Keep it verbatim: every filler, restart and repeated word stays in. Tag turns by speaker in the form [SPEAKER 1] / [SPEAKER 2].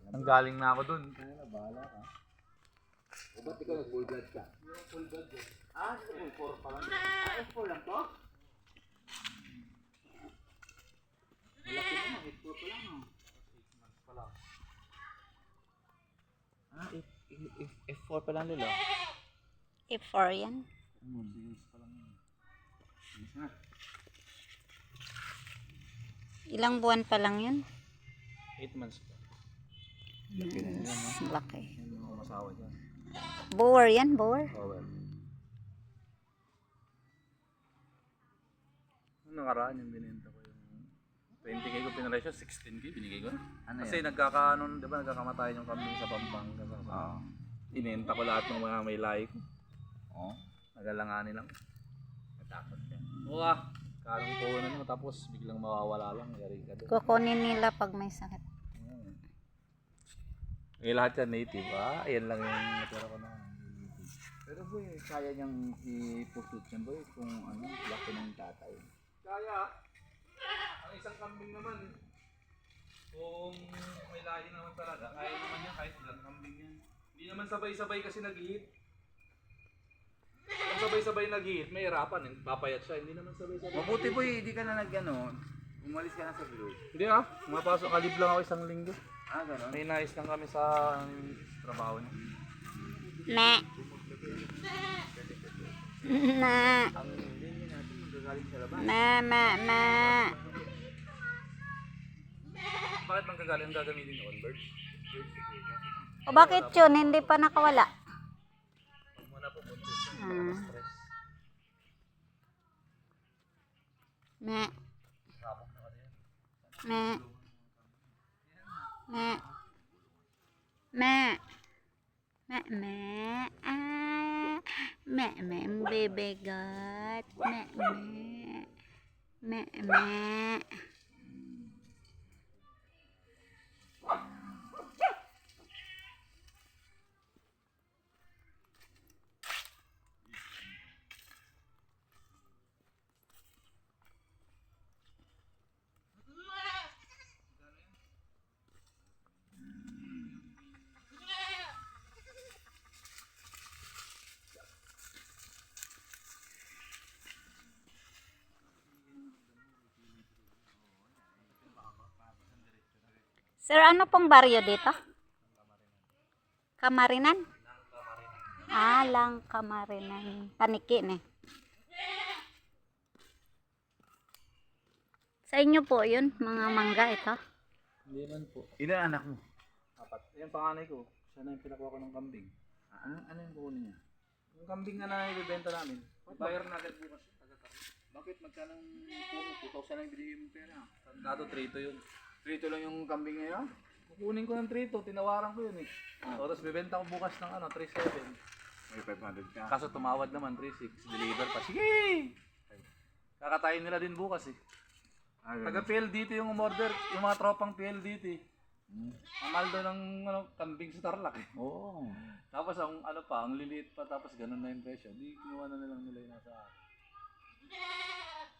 [SPEAKER 1] Ang galing na ako dun.
[SPEAKER 2] Kaya na, bahala ka. O ba't ikaw nag-full blood ka?
[SPEAKER 1] Yung full blood yun.
[SPEAKER 2] Ah, full four pa lang. Ah, F four lang to? Malaki na, F four pa lang. Oh.
[SPEAKER 1] eight months pa lang.
[SPEAKER 2] Ah, F, F, F four pa lang lilo.
[SPEAKER 3] F four yan.
[SPEAKER 2] Hmm, six pa lang yun. Yes na.
[SPEAKER 3] Ilang buwan pa lang yun?
[SPEAKER 1] eight months pa.
[SPEAKER 2] Laki na nila, no?
[SPEAKER 3] Laki.
[SPEAKER 1] Yung mga masawa dyan.
[SPEAKER 3] Bower yan, bower.
[SPEAKER 1] Oh well. Nung nakaraan yung binenta ko yung twenty K ko pinresyo, sixteen K binigay ko.
[SPEAKER 2] Ano
[SPEAKER 1] Kasi
[SPEAKER 2] yan?
[SPEAKER 1] nagkakaano, di ba nagkakamatayan yung kambing sa Pampanga.
[SPEAKER 2] Oo.
[SPEAKER 1] Inenta ko lahat ng mga may lahi ko.
[SPEAKER 2] Oo.
[SPEAKER 1] Nagalanganin lang.
[SPEAKER 2] Matakot ka.
[SPEAKER 1] Oo ah. Karang puhunan mo tapos biglang mawawala lang. Yari ka doon.
[SPEAKER 3] Kukunin nila pag may sakit.
[SPEAKER 1] Hmm. Eh lahat yan native ah. Ayan lang yung natira ko na.
[SPEAKER 2] Pero boy, kaya niyang i-pursuit yan boy kung ano, laki ng tatay.
[SPEAKER 1] Kaya, ang isang kambing naman, kung may lahi naman talaga, kaya naman yan kahit ilang kambing yan. Hindi naman sabay-sabay kasi nag-hit. Kung sabay-sabay nag-hit, may hirapan eh. Papayat siya, hindi naman sabay-sabay.
[SPEAKER 2] Mabuti boy, hindi ka na nag ano, umalis ka na sa blue.
[SPEAKER 1] Hindi ah, mapasok kalib lang ako isang linggo.
[SPEAKER 2] Ah, gano'n?
[SPEAKER 1] May nais lang kami sa um, trabaho niya.
[SPEAKER 3] Na. Na.
[SPEAKER 2] Ang linya natin magagaling sa labas.
[SPEAKER 3] Na, ma, ma.
[SPEAKER 1] Bakit mang gagaling ang gagamitin ni Onbird?
[SPEAKER 3] O bakit yun? Hindi pa nakawala.
[SPEAKER 1] Huwag mo na po buntis yun,
[SPEAKER 3] Ah.
[SPEAKER 1] baka stress.
[SPEAKER 3] Na.
[SPEAKER 1] Sabok na kasi yan.
[SPEAKER 3] Na. Na. Ma. Ma, ma. Ah. Ma, ma, ang bibigat. Ma, ma. Ma, ma. Sir, ano pong baryo dito? Kamarinan? Ah, lang Kamarinan. Paniki eh. Sa inyo po yun, mga mangga ito.
[SPEAKER 1] Hindi man po.
[SPEAKER 2] Ilan anak mo?
[SPEAKER 1] Apat. Yung panganay ko, siya na yung pinakuha ko ng kambing.
[SPEAKER 2] Ah, ano, ano yung kukunin niya?
[SPEAKER 1] Yung kambing na naibibenta namin, bayar na agad bukas yun. Taga-taga.
[SPEAKER 2] Bakit magkano puno? two thousand lang binigay mo pera.
[SPEAKER 1] Dato trito yun.
[SPEAKER 2] Trito lang yung kambing ngayon?
[SPEAKER 1] Kukunin ko ng trito, tinawaran ko yun eh.
[SPEAKER 2] Ah.
[SPEAKER 1] O, tapos bibenta ko bukas ng ano, three seven.
[SPEAKER 2] May five hundred ka.
[SPEAKER 1] Kaso tumawad naman, three six. Deliver pa. Sige! Kakatayin nila din bukas eh.
[SPEAKER 2] Ah,
[SPEAKER 1] Taga
[SPEAKER 2] ganun.
[SPEAKER 1] P L D T yung umorder, yung mga tropang P L D T.
[SPEAKER 2] Hmm.
[SPEAKER 1] Amal doon ng ano, kambing sa Tarlac eh.
[SPEAKER 2] Oo.
[SPEAKER 1] Tapos ang ano pa, ang liliit pa, tapos ganun na yung presyo. Di kinuha na nilang nila yung nasa